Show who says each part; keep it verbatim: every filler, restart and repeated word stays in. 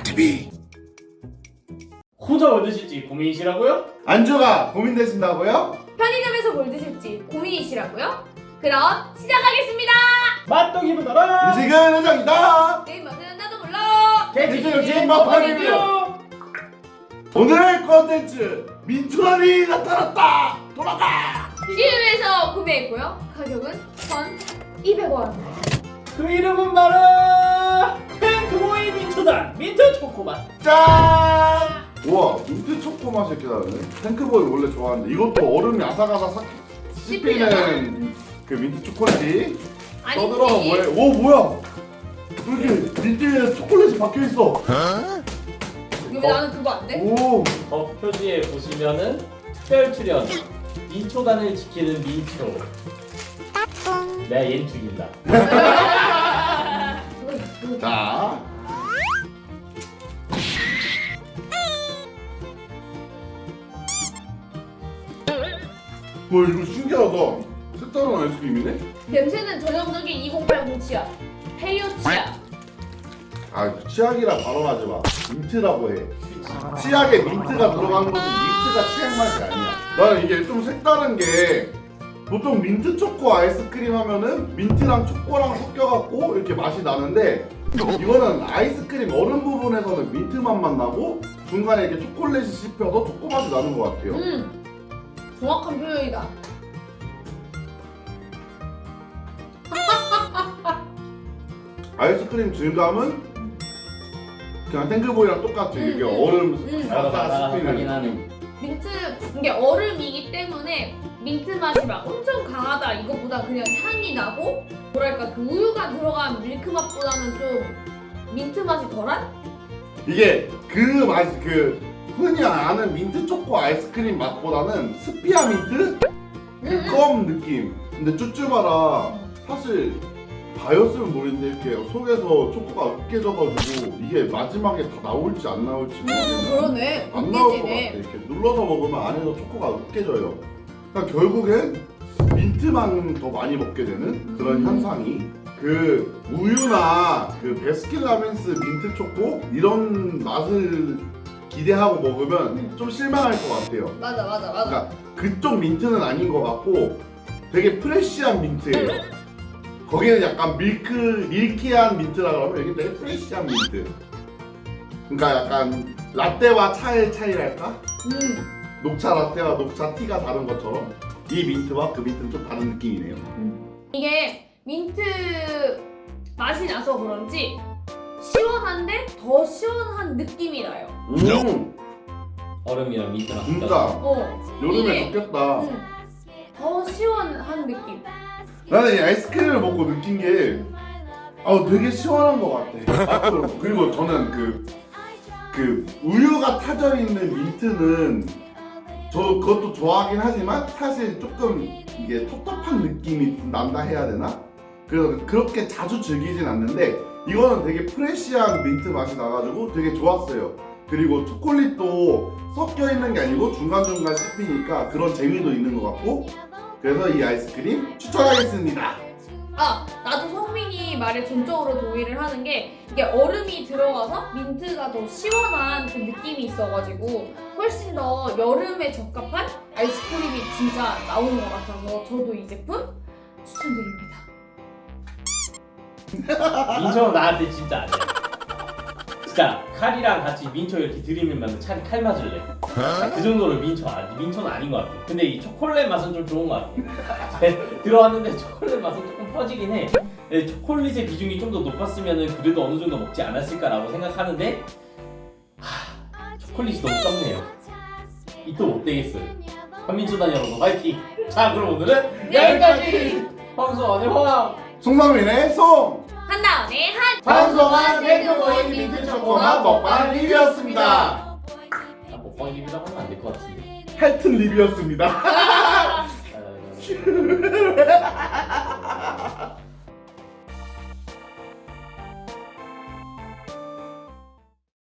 Speaker 1: 티비.
Speaker 2: 혼자 뭐 드실지 고민이시라고요?
Speaker 3: 안주가 고민되신다고요?
Speaker 4: 편의점에서 뭘 드실지 고민이시라고요? 그럼 시작하겠습니다.
Speaker 2: 맛도 기분더라.
Speaker 3: 음식은 은정이다.
Speaker 4: 내 맛은 나도 몰라.
Speaker 3: 개지육진 먹방 리뷰. 오늘의 컨텐츠 민초라니 나타났다. 돌아가.
Speaker 4: 씨유에서 구매했고요. 가격은 천이백 원.
Speaker 2: 그 이름은 바로 탱크보이 민초단 민트 초코맛.
Speaker 3: 짠. 우와, 민트 초코 맛이 이렇게 나네. 탱크보이 원래 좋아하는데 이것도 얼음이 아삭아삭 씹히는 그 민트 초콜릿이 떠들어가 뭐해? 오 뭐야? 이렇게 민트에 초콜릿이 박혀 있어.
Speaker 4: 왜 나는 그거 안 돼?
Speaker 3: 오.
Speaker 2: 어, 표지에 보시면은 특별 출연 민초단을 지키는 민초. 내가 얜 죽인다.
Speaker 3: 자. 와 이거 신기하다. 색다른 아이스크림이네?
Speaker 4: 냄새는 전형적인 이공팔공 치약. 헤이오 치약.
Speaker 3: 아 치약이라 발언하지 마. 민트라고 해. 치약에 민트가 들어간 거지 민트가 치약 맛이 아니야. 나는 이게 좀 색다른 게 보통 민트 초코 아이스크림 하면은 민트랑 초코랑 섞여갖고 이렇게 맛이 나는데 이거는 아이스크림 얼음 부분에서는 민트 맛만 나고 중간에 이렇게 초콜릿이 씹혀서 초코 맛이 나는 것 같아요.
Speaker 4: 음. 정확한 표현이다.
Speaker 3: 아이스크림 질감은 그냥 탱크보이랑 똑같아. 이게
Speaker 4: 음,
Speaker 3: 얼음
Speaker 4: 음.
Speaker 3: 살짝
Speaker 2: 하긴
Speaker 3: 씹히는
Speaker 2: 하네.
Speaker 3: 느낌.
Speaker 4: 민트 이게 얼음이기 때문에 민트 맛이 막 엄청 강하다 이것보다 그냥 향이 나고 뭐랄까 그 우유가 들어간 밀크 맛보다는 좀 민트 맛이 덜한?
Speaker 3: 이게 그 맛이 그 흔히 아는 민트 초코 아이스크림 맛보다는 스피아 민트 그 껌 느낌. 근데 쭈쭈바라 사실 바였으면 모르겠는데 이렇게 속에서 초코가 으깨져가지고 이게 마지막에 다 나올지 안 나올지 모르겠네.
Speaker 4: 그러네.
Speaker 3: 안 나올 것 같아.
Speaker 4: 웃기지네.
Speaker 3: 이렇게 눌러서 먹으면 안에서 초코가 으깨져요. 그러니까 결국엔 민트만 더 많이 먹게 되는 그런
Speaker 4: 음.
Speaker 3: 현상이 그 우유나 그 베스킨라빈스 민트 초코 이런 맛을 기대하고 먹으면
Speaker 4: 음.
Speaker 3: 좀 실망할 것 같아요.
Speaker 4: 맞아 맞아 맞아.
Speaker 3: 그러니까 그쪽 민트는 아닌 것 같고 되게 프레쉬한 민트예요. 거기는 약간 밀크, 밀키한 민트라 그러면 여기 되게 프레쉬한 민트. 그러니까 약간 라떼와 차의 차이랄까?
Speaker 4: 음.
Speaker 3: 녹차 라떼와 녹차 티가 다른 것처럼 이 민트와 그 민트는 좀 다른 느낌이네요.
Speaker 4: 이게 민트 맛이 나서 그런지 시원한데 더 시원한 느낌이 나요.
Speaker 3: 음,
Speaker 2: 얼음이랑 민트랑
Speaker 3: 진짜
Speaker 4: 어.
Speaker 3: 여름에
Speaker 4: 이게,
Speaker 3: 좋겠다.
Speaker 4: 음, 더 시원한 느낌.
Speaker 3: 나는 이 아이스크림을 먹고 느낀 게 아, 되게 시원한 것 같아. 그리고 저는 그, 그 우유가 타져 있는 민트는 저 그것도 좋아하긴 하지만 사실 조금 이게 텁텁한 느낌이 난다 해야 되나? 그래서 그렇게 자주 즐기진 않는데 이거는 되게 프레쉬한 민트 맛이 나가지고 되게 좋았어요. 그리고 초콜릿도 섞여 있는 게 아니고 중간중간 씹히니까 그런 재미도 있는 것 같고 그래서 이 아이스크림 추천하겠습니다.
Speaker 4: 아, 나도 성민이 말에 전적으로 동의를 하는 게 이게 얼음이 들어가서 민트가 더 시원한 그 느낌이 있어가지고 훨씬 더 여름에 적합한 아이스크림이 진짜 나오는 것 같아서 저도 이 제품 추천드립니다.
Speaker 2: 민초는 나한테 진짜 아니야. 진짜 칼이랑 같이 민초 이렇게 들이밀면 차라리 칼 맞을래. 그 정도로 민초 아니 민초는 아닌 것 같아. 근데 이 초콜릿 맛은 좀 좋은 것 같아. 들어왔는데 초콜릿 맛은 조금 퍼지긴 해. 근데 초콜릿의 비중이 좀 더 높았으면 그래도 어느 정도 먹지 않았을까라고 생각하는데 하, 초콜릿이 너무 적네요. 이 또 못 되겠어요. 한민초단 여러분 화이팅! 자 그럼 오늘은 여기까지! 황소 안의 황!
Speaker 3: 송성민의 송!
Speaker 4: 한다음에 한
Speaker 3: 방송한 탱크보이 민트 초코맛 먹방 리뷰였습니다.
Speaker 2: 아, 먹방 리뷰라고 하면 안 될 것 같은데.
Speaker 3: 헬튼 리뷰였습니다.
Speaker 2: 아,